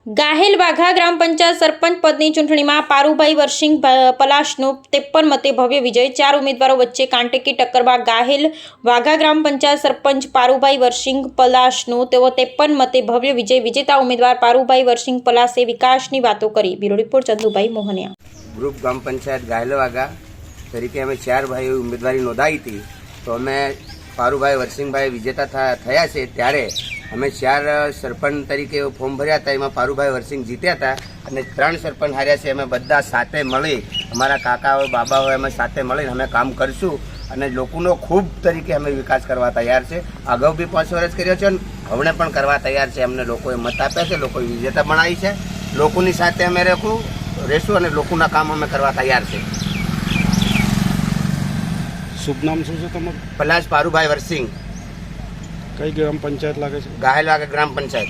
ગાહેલ વાઘા ગ્રામ પંચાયત સરપંચ પદની ચૂંટણીમાં પારુભાઈ વરસિંગ પલાશનો 53 મતે ભવ્ય વિજય। 4 ઉમેદવારો વચ્ચે કાંટેકી ટક્કરમાં ગાહેલ વાઘા ગ્રામ પંચાયત સરપંચ પારુભાઈ વરસિંગ પલાશનો 53 મતે ભવ્ય વિજય। વિજેતા ઉમેદવાર પારુભાઈ વરસિંગ પલાશે વિકાસની વાતો કરી। Bureau report Chandubhai Mohaniya. Group ग्राम पंचायत गाहेल वाघा तरीके अमे 4 भाई उम्मीदवारी नोंधाई थी, तो अमे पारुभाई वरसिंगभाई विजेता थया छे। त्यारे अमे 4 सरपंच तरीके फॉर्म भर्या था, एमां पारुभाई वरसिंग जीत्या था अने 3 सरपंच हार्या छे। अमे बधा साथे मळी अमारा काका होय बाबा होय अमे साथे मळीने अमे काम करशुं અને લોકોનો ખૂબ તરીકે અમે વિકાસ કરવા તૈયાર છે। અગાઉ બી 5 વર્ષ કર્યો છે અને હવે પણ કરવા તૈયાર છે। અમને લોકોએ મત આપ્યા છે, લોકોએ વિજેતા બનાવી છે। લોકોની સાથે અમે રહેશું અને લોકોના કામ અમે કરવા તૈયાર છે। શુભ નામ શું છે તમારું? પલાશ પારુભાઈ વરસિંગ। કઈ ગ્રામ પંચાયત લાગે છે? ગાહેલ વાઘા ગ્રામ પંચાયત।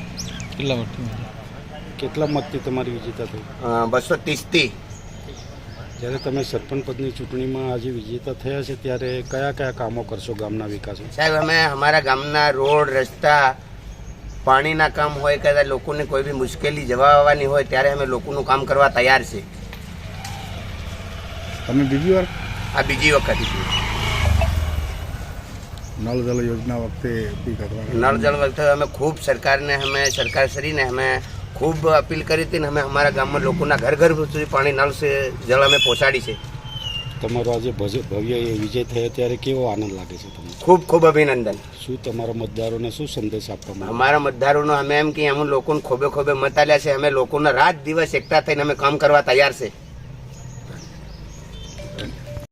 કેટલા મતથી તમારી વિજેતા થઈ? 230 થી। જ્યારે તમે સરપંચ પદની ચૂંટણીમાં આજે વિજેતા થયા છે, ત્યારે કયા કયા કામો કરશો ગામના વિકાસ? સાહેબ, અમે અમારા ગામના રોડ રસ્તા પાણીના કામ હોય કે લોકોને કોઈ બી મુશ્કેલી જવા આવવાની હોય ત્યારે અમે લોકોનું કામ કરવા તૈયાર છે। તમે બીજી વાર? આ બીજી વખત છે। નળ જલ યોજના વખતે બી કરવા? નળ જળ વખતે અમે ખૂબ સરકારશ્રીને અમે ખૂબ અપીલ કરી હતી ને અમે અમારા ગામમાં લોકોના ઘર ઘર સુધી પાણી નળ છે જળ અમે પહોંચાડી છે। તમારો આજે ભવ્ય વિજય થયો ત્યારે કેવો આનંદ લાગે છે તમને? ખૂબ ખૂબ અભિનંદન। શું તમારા મતદારોને શું સંદેશ આપવામાં? અમારા મતદારોનો અમે એમ કે અમે લોકોને ખોબે ખોબે મત આલ્યા છે। અમે લોકોના રાત દિવસ એકઠા થઈને અમે કામ કરવા તૈયાર છે।